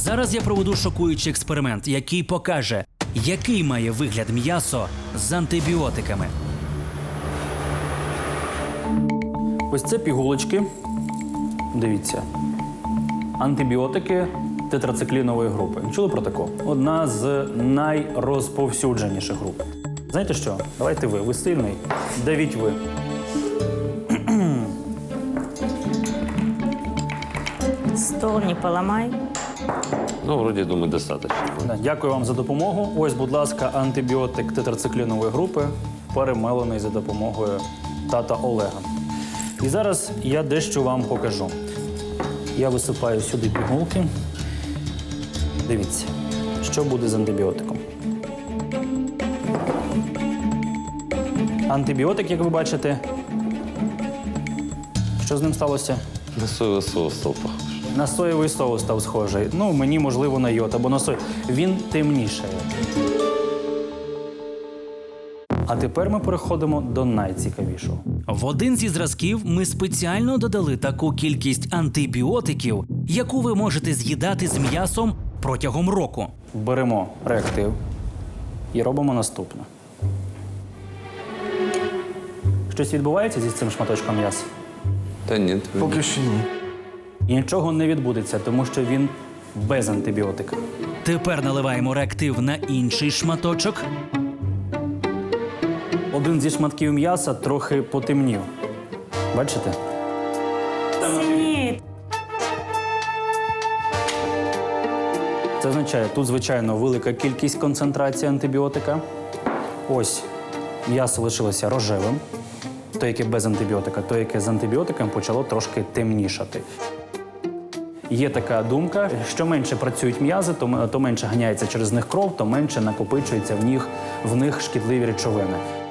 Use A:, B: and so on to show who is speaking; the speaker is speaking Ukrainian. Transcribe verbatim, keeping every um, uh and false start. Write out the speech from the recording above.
A: Зараз я проведу шокуючий експеримент, який покаже, який має вигляд м'ясо з антибіотиками. Ось це пігулочки. Дивіться. Антибіотики тетрациклінової групи. Чули про таку? Одна з найрозповсюдженіших груп. Знаєте що? Давайте ви. Ви сильний. Давіть ви.
B: Стол не поломай.
C: Ну, вроде, думаю, достаточно.
A: Дякую вам за допомогу. Ось, будь ласка, антибіотик тетрациклінової групи, перемелений за допомогою тата Олега. І зараз я дещо вам покажу. Я висипаю сюди пігулки. Дивіться, що буде з антибіотиком. Антибіотик, як ви бачите, що з ним сталося?
C: На соевый соус стал похож.
A: На соєвий соус став схожий. Ну, мені, можливо, на йод або на сой. Він темнішає. А тепер ми переходимо до найцікавішого. В один зі зразків ми спеціально додали таку кількість антибіотиків, яку ви можете з'їдати з м'ясом протягом року. Беремо реактив і робимо наступне. Щось відбувається зі цим шматочком м'яса?
C: Да нет.
D: Поки що ні.
A: І нічого не відбудеться, тому що він без антибіотика. Тепер наливаємо реактив на інший шматочок. Один зі шматків м'яса трохи потемнів. Бачите?
B: Синеет.
A: Це означає, тут, звичайно, велика кількість концентрації антибіотика. Ось м'ясо лишилося рожевим, то, яке без антибіотика, то, яке з антибіотиком, почало трошки темнішати. Є така думка, що менше працюють м'язи, то, то менше ганяється через них кров, то менше накопичується в них, в них шкідливі речовини.